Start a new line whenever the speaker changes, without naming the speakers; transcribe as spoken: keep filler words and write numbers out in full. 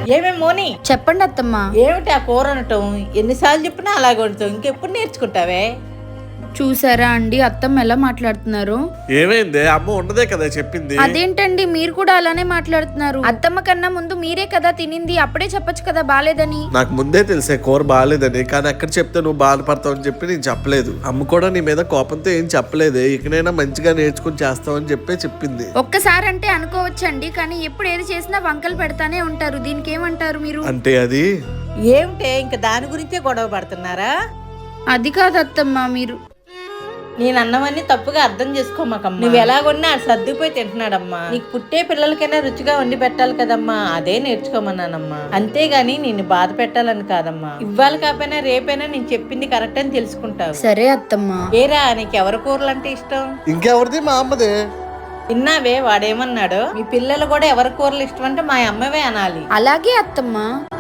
ఏమే మోని,
చెప్పండి అత్తమ్మ.
ఏమిటి ఆ కూర అనటం? ఎన్నిసార్లు చెప్పినా అలాగే వండుతావు, ఇంకెప్పుడు నేర్చుకుంటావే?
చూసారా అండి అత్తమ్మ ఎలా మాట్లాడుతున్నారు?
ఏమైంది? అమ్మ ఉన్నదే కదా చెప్పింది.
అదేంటండి మీరు కూడా అలానే మాట్లాడుతున్నారు? అత్తమ్మ కన్నా ముందు మీరే కదా తినింది, అప్పుడే చెప్పొచ్చు కదా బాలేదని.
నాకు ముందే తెలిసే కూర బాగాలేదని, కానీ అక్కడ చెప్తే నువ్వు బాధపడతావు అని చెప్పి నేను చెప్పలేదు. అమ్మ కూడా నీ మీద కోపంతో ఏం చెప్పలేదే, ఇకనైనా మంచిగా నేర్చుకుని చేస్తావని చెప్పి చెప్పింది.
ఒక్కసారి అంటే అనుకోవచ్చండి, కానీ ఎప్పుడు ఏది చేసినా వంకలు పెడతానే ఉంటారు. దీనికి ఏమంటారు మీరు?
అంటే అది
ఏమిటే ఇంకా దాని గురించే గొడవ పడుతున్నారా?
అది కాదు అత్తమ్మ, మీరు
నేను అన్నవన్నీ తప్పుగా అర్థం చేసుకోమాకమ్మా. నువ్వు ఎలాగొన్నా అది సర్దుకుపోయి తింటున్నాడమ్మా. నీకు పుట్టే పిల్లలకైనా రుచిగా వండి పెట్టాలి కదమ్మా, అదే నేర్చుకోమన్నానమ్మా. అంతేగాని నిన్ను బాధ పెట్టాలని కాదమ్మా. ఇవ్వాలి కాకపోయినా రేపైనా నేను చెప్పింది కరెక్ట్ అని తెలుసుకుంటావు.
సరే అత్తమ్మ.
ఏరా, నీకు ఎవరి కూరలు అంటే ఇష్టం?
ఇంకెవరిది? మా అమ్మదే.
విన్నావే వాడేమన్నాడు? మీ పిల్లలు కూడా ఎవరి కూరలు ఇష్టం అంటే మా అమ్మవే అనాలి.
అలాగే అత్తమ్మ.